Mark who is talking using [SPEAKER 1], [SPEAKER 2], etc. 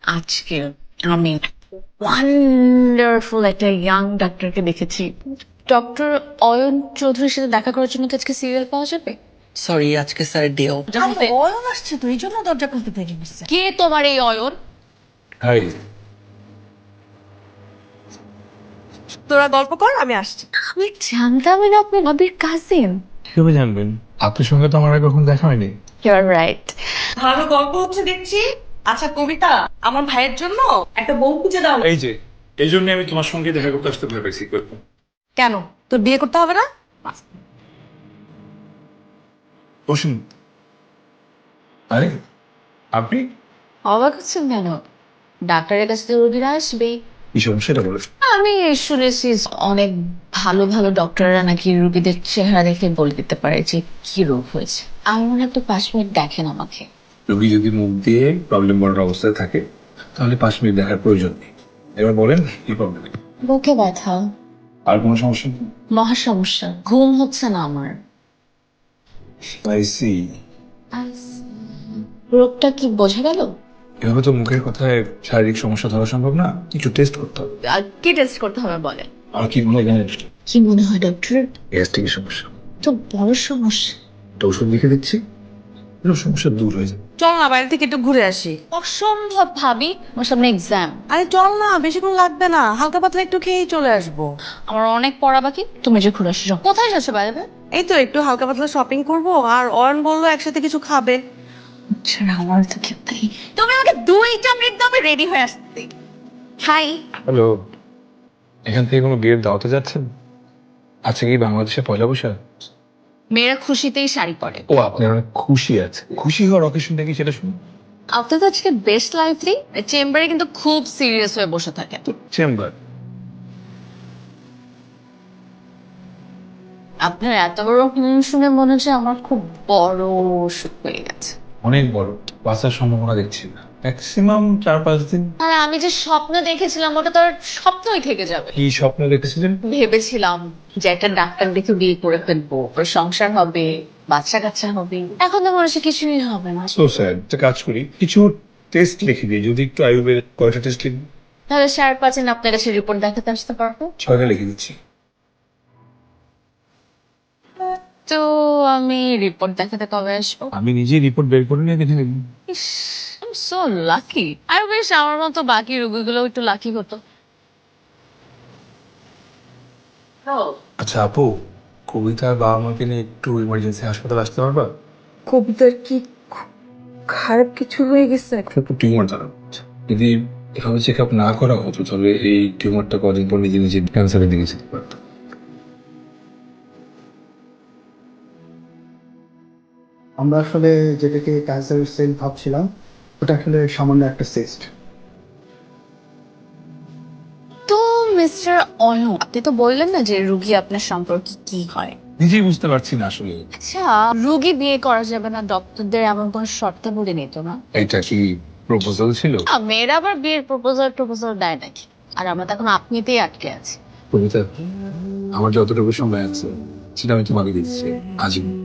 [SPEAKER 1] আজকে আমি ওয়ান্ডারফুল একটা ইয়াং ডাক্তারকে দেখেছি। ডক্টর অয়ন চৌধুরীর সাথে দেখা করার জন্য কি আজকে সিরিয়াল পাওয়া যাবে?
[SPEAKER 2] সরি, আজকে স্যার ডেও।
[SPEAKER 3] অয়ন আসছে তো, এই জন্য দরজা খুলতে পেরে গেছে।
[SPEAKER 1] কে তোমার এই অয়ন?
[SPEAKER 4] হাই।
[SPEAKER 3] তোরা গল্প কর, আমি আসছি।
[SPEAKER 1] আমি জানতামই না আপনি নবীর কাজিন।
[SPEAKER 4] কিভাবে জানবেন? আপনার সঙ্গে তো আমার আগে কখনো দেখা হয়নি।
[SPEAKER 1] You are right.
[SPEAKER 3] ভালো গল্প হচ্ছে দেখছি। আচ্ছা কবিতা, আমার ভাইয়ের জন্য একটা বউ খুঁজে দাও।
[SPEAKER 4] এই যে এই জন্য আমি তোমার সঙ্গে দেখা করতে আসতে ভয় পাইছি।
[SPEAKER 3] কেন, তোর বিয়ে করতে হবে না?
[SPEAKER 4] বসুন। আরে আপনি
[SPEAKER 1] অবাক হচ্ছেন কেন? ডাক্তারের কাছে তো রোগীরা আসবেই।
[SPEAKER 4] কি সমস্যাটা বলে?
[SPEAKER 1] আমি শুনেছি অনেক ভালো ভালো ডক্টররা নাকি রোগীদের চেহারা দেখে বলে দিতে পারে যে কি রোগ হয়েছে। আমার মনে হয় একটু 5 মিনিট দেখেন আমাকে।
[SPEAKER 4] রোগী যদি মুখ দিয়ে প্রবলেম বলার অবস্থায় থাকে তাহলে 5 মিনিট দেখার প্রয়োজন নেই। এবার বলেন কি প্রবলেম?
[SPEAKER 1] বুকে ব্যথা,
[SPEAKER 4] আর কোনো সমস্যা নেই?
[SPEAKER 1] মহা সমস্যা, ঘুম হচ্ছে না আমার।
[SPEAKER 4] I see.
[SPEAKER 1] রোগটা কি বোঝা গেল?
[SPEAKER 4] এভাবে তো মুখের কথায় শারীরিক সমস্যা ধরা সম্ভব না, কিছু টেস্ট করতে হবে।
[SPEAKER 1] আর কি টেস্ট করতে হবে বলেন?
[SPEAKER 4] আর কি মনে হয় জানেন?
[SPEAKER 1] কি মনে হয় ডক্টর?
[SPEAKER 4] গ্যাস্ট্রিকের সমস্যা।
[SPEAKER 1] তো বড় সমস্যা।
[SPEAKER 4] একটা ওষুধ লিখে দিচ্ছি, এসব সমস্যা দূর হয়ে যাবে।
[SPEAKER 3] চল না, বাইরে থেকে একটু ঘুরে আসি।
[SPEAKER 1] অসম্ভব ভাবি, আমার সামনে এক্সাম।
[SPEAKER 3] আরে চল না, বেশিক্ষণ লাগবে না, হালকা পাতলা একটু খেয়েই চলে আসবো।
[SPEAKER 1] আমার অনেক পড়া বাকি, তুমি যে ঘুরে আসছো। কোথায় যাচ্ছো বাইরে?
[SPEAKER 3] এই তো একটু হালকা পাতলা শপিং করবো, আর অয়ন বললো একসাথে কিছু খাবে।
[SPEAKER 1] আচ্ছা, আমার তো কেউ নেই। তুমি আমাকে 2টা মিনিট দাও, আমি রেডি হয়ে আসছি। হাই।
[SPEAKER 4] হ্যালো, এখান থেকে কোনো বিয়ের দাওয়াতে যাচ্ছেন? আচ্ছা, কি বাংলাদেশে পয়লা বৈশাখ?
[SPEAKER 1] মেয়েরা খুশিতেই শাড়ি পরে।
[SPEAKER 4] ও, আপনার অনেক খুশি আছে। খুশি হওয়ার অকেশনটা কি সেটা শুনুন।
[SPEAKER 1] আপনার তো আজকে বেস্ট লাইফলি চেম্বারে কিন্তু খুব সিরিয়াস হয়ে বসে থাকে।
[SPEAKER 4] চেম্বার?
[SPEAKER 1] আপনার এত বড় শুনে মনে হচ্ছে আমার খুব বড় অসুখ হয়ে গেছে।
[SPEAKER 4] অনেক বড়, বাঁচার সম্ভাবনা দেখছি না। ম্যাক্সিমাম 4-5 দিন।
[SPEAKER 1] আর আমি যে স্বপ্ন দেখেছিলাম ওটা তো আর স্বপ্নই থেকে যাবে।
[SPEAKER 4] কি স্বপ্ন দেখেছিলেন?
[SPEAKER 1] ভেবেছিলাম যে একটা ডাক্তার দেখে বিয়ে করে ফেলবো, ওর সংসার হবে, বাচ্চা কাচ্চা হবে। এখন তো মনে হচ্ছে কিছুই হবে না।
[SPEAKER 4] So sad. একটা কাজ করি, কিছু টেস্ট লিখে দিই, যদি একটু আয়ুর্বেদ। কয়টা টেস্ট লিখবি?
[SPEAKER 1] তাহলে 5.5 দিন আপনার কাছে রিপোর্ট দেখাতে আসতে পারবো।
[SPEAKER 4] 6টা লিখে দিচ্ছি।
[SPEAKER 1] তো আমি রিপোর্ট দেখাতে কবে আসবো?
[SPEAKER 4] আমি নিজেই রিপোর্ট বের করে নিয়ে দেখে নিবি।
[SPEAKER 1] ইস, আই এম সো লাকি। আর বেশ আমার মতো বাকি রোগীগুলো একটু লাকি হতো।
[SPEAKER 4] আচ্ছা আপু, কবিতার বাবা মাকে নিয়ে একটু ইমার্জেন্সি হাসপাতাল আসতে পারবা?
[SPEAKER 3] কবিতার কি খারাপ কিছু হয়ে গেছে?
[SPEAKER 4] একটু টিউমার ধরা পড়ছে। যদি এভাবে চেক আপ না করা হতো তাহলে এই টিউমারটা কদিন পর নিজে নিজে ক্যান্সারের দিকে যেতে পারতো।
[SPEAKER 5] আমরা আসলে যেটাকে ক্যান্সার সেল ভাবছিলাম ওটা আসলে সামান্য একটা সিস্ট।
[SPEAKER 1] তো মিস্টার অয়ন, আপনি তো বললেন না যে রুগী আপনার সম্পর্কে কি হয়।
[SPEAKER 4] নিজেই বুঝতে পারছি না আসলে।
[SPEAKER 1] আচ্ছা, রুগী বিয়ে করা যাবে না ডক্টরদের এমন কোন শর্তাবলী নিত না?
[SPEAKER 4] এটা কি প্রপোজাল ছিল?
[SPEAKER 1] মেয়েরা আবার বিয়ের প্রপোজাল দেয় নাকি? আর আমরা তো এখন আপনিতেই আটকে আছি।
[SPEAKER 4] কবিতা, আমার যতটুকু সময় আছে সেটা আমি তোমাকে দিচ্ছি আজীবন।